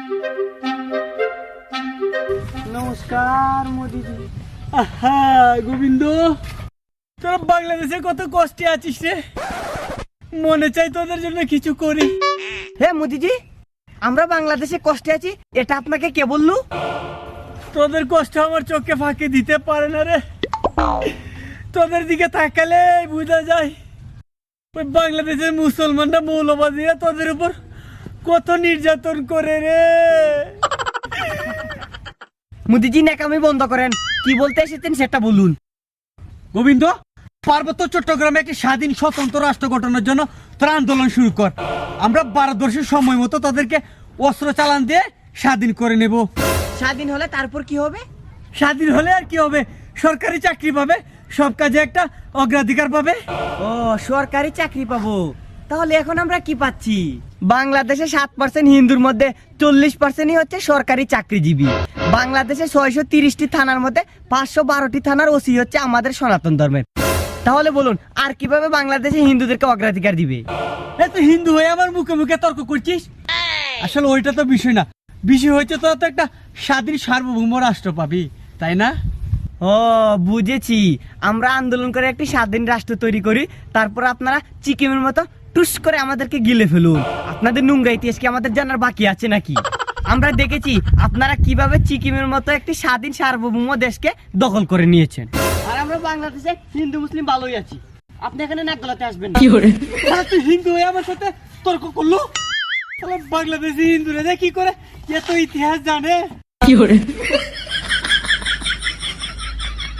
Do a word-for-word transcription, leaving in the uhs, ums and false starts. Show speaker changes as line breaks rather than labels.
নমস্কার মোদিজি। আহা গোবিন্দ, তোরা বাংলাদেশে কত কষ্টে আছিস রে, মনে চাই তোদের জন্য কিছু করি।
হে মোদিজি, আমরা বাংলাদেশে কষ্টে আছি এটা আপনাকে কে বললো?
তোদের কষ্ট আমার চোখে ফাঁকি দিতে পারে না রে। তোদের দিকে তাকালে বোঝা যায় ওই বাংলাদেশের মুসলমানরা মৌলবাদীরা তোদের উপর কত নির্যাতন করে রে।
মোদিজি ন্যাকামি বন্ধ করেন, কি বলতে এসেছেন সেটা বলুন।
গোবিন্দ, পার্বত্য চট্টগ্রামে একটি স্বাধীন স্বতন্ত্র রাষ্ট্র গঠনের জন্য তোরা আন্দোলন শুরু কর। আমরা ভারতবর্ষের সময় মতো তাদেরকে অস্ত্র চালান দিয়ে স্বাধীন করে নেব।
স্বাধীন হলে তারপর কি হবে?
স্বাধীন হলে আর কি হবে, সরকারি চাকরি পাবে, সব কাজে একটা অগ্রাধিকার পাবে।
ও, সরকারি চাকরি পাবো। তাহলে এখন আমরা কি পাচ্ছি? বাংলাদেশে সাত পার্সেন্ট হিন্দুর মধ্যে চল্লিশ পার্সেন্টই হচ্ছে সরকারি চাকরিজীবী। বাংলাদেশে ছয়শো তিরিশটি থানার মধ্যে পাঁচশো বারোটি থানার ওসি হচ্ছে আমাদের সনাতন ধর্মের। তাহলে বলুন আর কিভাবে বাংলাদেশে হিন্দুদেরকে অগ্রাধিকার দিবে?
এ তো হিন্দু হয়ে আমার মুখে মুখে তর্ক করছিস। আসলে ওইটা তো বিষয় না, বিষয় হচ্ছে তোরা তো একটা স্বাধীন সার্বভৌম রাষ্ট্র পাবি, তাই না?
ও বুঝেছি, আমরা আন্দোলন করে একটি স্বাধীন রাষ্ট্র তৈরি করি, তারপর আপনারা চিকিমের মতো টুস করে আমাদেরকে গিলে ফেলুন। আপনাদের নোংরা ইতিহাস কি আমাদের জানার বাকি আছে নাকি? আমরা দেখেছি আপনারা কিভাবে চিকিমের মতো একটি স্বাধীন সার্বভৌম দেশকে দখল করে নিয়েছেন। আর আমরা বাংলাদেশে হিন্দু মুসলিম ভালোই আছি, আপনি এখানে নাক গলাতে আসবেন না।
তাহলে তুই হিন্দু হয়ে আমার সাথে তর্ক করলো? তাহলে বাংলাদেশি হিন্দুরা যে কি করে এত ইতিহাস জানে?